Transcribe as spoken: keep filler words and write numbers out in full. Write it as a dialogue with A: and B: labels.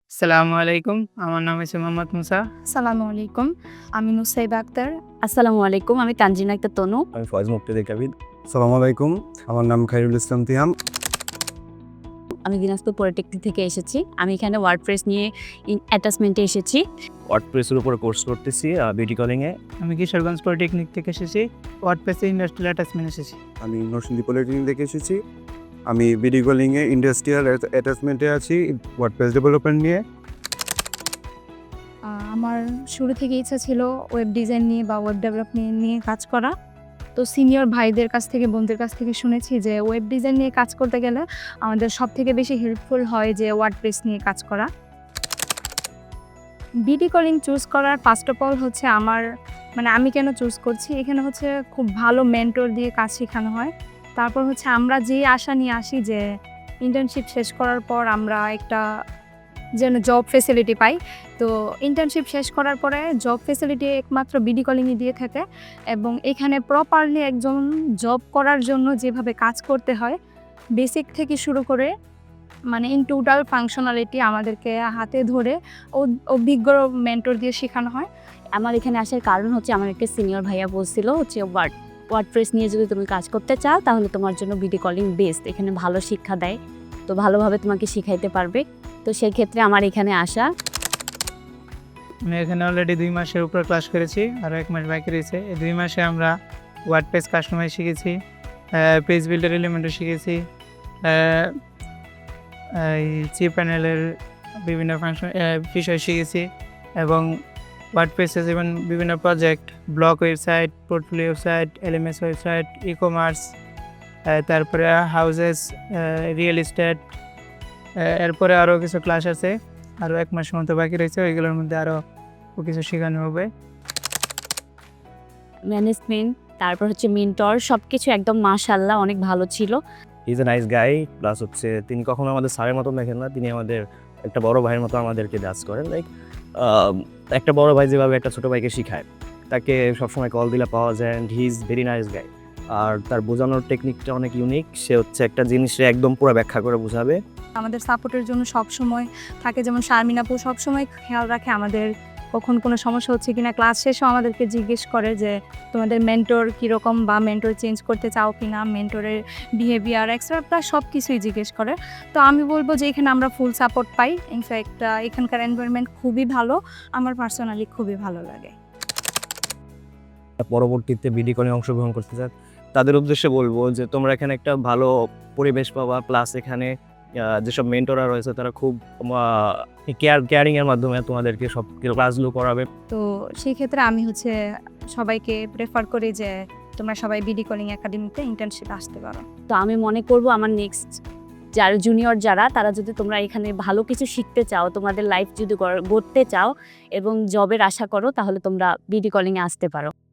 A: আসসালামু আলাইকুম। আমার নাম হচ্ছে মোহাম্মদ মুসা।
B: আসসালামু আলাইকুম। আমি নুসাইবা আক্তার।
C: আসসালামু আলাইকুম। আমি তানজিনা আক্তার তনু।
D: আমি ফয়েজ মুক্তাদির কাবিদ। আসসালামু আলাইকুম। আমার নাম খায়রুল ইসলাম তিহাম।
C: আমি দিনাজপুর পলিটেকনিক থেকে এসেছি। আমি এখানে ওয়ার্ডপ্রেস নিয়ে ইন অ্যাটাচমেন্টে এসেছি।
D: ওয়ার্ডপ্রেসের উপর কোর্স করতেছি বিউটি কলিংয়ে।
A: আমি কিশোরগঞ্জ পলিটেকনিক থেকে এসেছি। ওয়ার্ডপ্রেসে ইন্ডাস্ট্রিয়াল অ্যাটাচমেন্ট এসেছি।
D: আমি নরসিংদী পলিটেকনিক থেকে এসেছি। আমি বিডি কলিংয়ে ইন্ডাস্ট্রিয়াল অ্যাটাচমেন্টে আছি ওয়ার্ডপ্রেস ডেভেলপমেন্ট নিয়ে।
B: আ আমার শুরু থেকে ইচ্ছা ছিল ওয়েব ডিজাইন নিয়ে বা ওয়েব ডেভেলপমেন্ট নিয়ে কাজ করা। তো সিনিয়র ভাইদের কাছ থেকে, বোনদের কাছ থেকে শুনেছি যে ওয়েব ডিজাইন নিয়ে কাজ করতে গেলে আমাদের সবথেকে বেশি হেল্পফুল হয় যে ওয়ার্ডপ্রেস নিয়ে কাজ করা। বিডি কলিং চুজ করার ফার্স্ট অফ অল হচ্ছে আমার মানে আমি কেন চুজ করছি, এখানে হচ্ছে খুব ভালো মেন্টর দিয়ে কাজ শেখানো হয়। তারপর হচ্ছে আমরা যে আশা নিয়ে আসি যে ইন্টার্নশিপ শেষ করার পর আমরা একটা যেন জব ফেসিলিটি পাই। তো ইন্টার্নশিপ শেষ করার পরে জব ফেসিলিটি একমাত্র বিডি কলিংই দিয়ে থাকে এবং এখানে প্রপারলি একজন জব করার জন্য যেভাবে কাজ করতে হয় বেসিক থেকে শুরু করে মানে ইন টোটাল ফাংশনালিটি আমাদেরকে হাতে ধরে অ- অভিজ্ঞ মেন্টর দিয়ে শেখানো হয়।
C: আমার এখানে আসার কারণ হচ্ছে আমার একটা সিনিয়র ভাইয়া বলছিল হচ্ছে ওয়ার্ড ওয়ার্ডপ্রেস নিয়ে যদি তুমি কাজ করতে চাও তাহলে তোমার জন্য বিডি কলিং বেস্ট। এখানে ভালো শিক্ষা দেয়, তো ভালোভাবে তোমাকে শিখাইতে পারবে। তো সেই ক্ষেত্রে আমার এখানে আসা।
A: আমি এখানে অলরেডি দুই মাসের উপর ক্লাস করেছি, আরও এক মাস বাকি রয়েছে। এই দুই মাসে আমরা ওয়ার্ডপ্রেস কাস্টমাইজ শিখেছি, পেজ বিল্ডার এলিমেন্টও শিখেছি, আহ, এই চি প্যানেলের বিভিন্ন ফাংশন বিষয় শিখেছি এবং ওয়ার্ডপ্রেসে যেমন বিভিন্ন project, blog website, portfolio website, LMS website, e commerce, তারপরে হাউজেস, রিয়েল এস্টেট, এরপরে আরও কিছু ক্লাস আছে, আরও এক মাস মতো বাকি রয়েছে। ওইগুলোর মধ্যে আরও কিছু শেখানো হবে।
C: ম্যানেজমেন্ট, তারপর হচ্ছে মেন্টর, সব কিছু একদম মাশাআল্লাহ অনেক ভালো ছিল।
D: Is a nice guy. Plus হচ্ছে তিনি কখনো আমাদের স্যারের মতো দেখেন না, তিনি আমাদের একটা বড় ভাইয়ের মতো আমাদেরকে জাজ করেন। লাইক একটা বড় ভাই যেভাবে একটা ছোট ভাইকে শিখায়, তাকে সবসময় কল দিলে পাওয়া যায়। And he is very nice guy. আর তার বোঝানোর টেকনিকটা অনেক ইউনিক। সে হচ্ছে একটা জিনিসে একদম পুরো ব্যাখ্যা করে বোঝাবে।
B: আমাদের সাপোর্টের জন্য সব সময় থাকে, যেমন শারমিন আপু সব সময় খেয়াল রাখে আমাদের কখন কোনো সমস্যা হচ্ছে কিনা। ক্লাস শেষেও আমাদেরকে জিজ্ঞেস করে যে তোমাদের মেন্টর কীরকম বা মেন্টর চেঞ্জ করতে চাও কি না, মেন্টরের বিহেভিয়ার এক্সট্রা প্লাস সব কিছুই জিজ্ঞেস করে। তো আমি বলবো যে এখানে আমরা ফুল সাপোর্ট পাই। ইনফ্যাক্ট এখানকার এনভায়রনমেন্ট খুবই ভালো, আমার পার্সোনালি খুবই ভালো লাগে।
D: পরবর্তীতে বিডি কলিং অংশগ্রহণ করতে চান তাদের উদ্দেশ্যে বলবো যে তোমরা এখানে একটা ভালো পরিবেশ পাবা। প্লাস এখানে আহ, যেসব মেন্টররা রয়েছে তারা খুব কেয়ার কেয়ারিং এর মাধ্যমে তোমাদেরকে সব ক্লাসগুলো করাবে।
B: তো সেই ক্ষেত্রে আমি হচ্ছে সবাইকে প্রেফার করি যে তোমরা সবাই বিডি কলিং একাডেমিতে ইন্টার্নশিপ আসতে পারো।
C: তো আমি মনে করব আমার নেক্সট যারা জুনিয়র যারা তারা যদি তোমরা এখানে ভালো কিছু শিখতে চাও, তোমাদের লাইফ যদি গড়- গড়তে চাও এবং জবের আশা করো, তাহলে তোমরা বিডি কলিংয়ে আসতে পারো।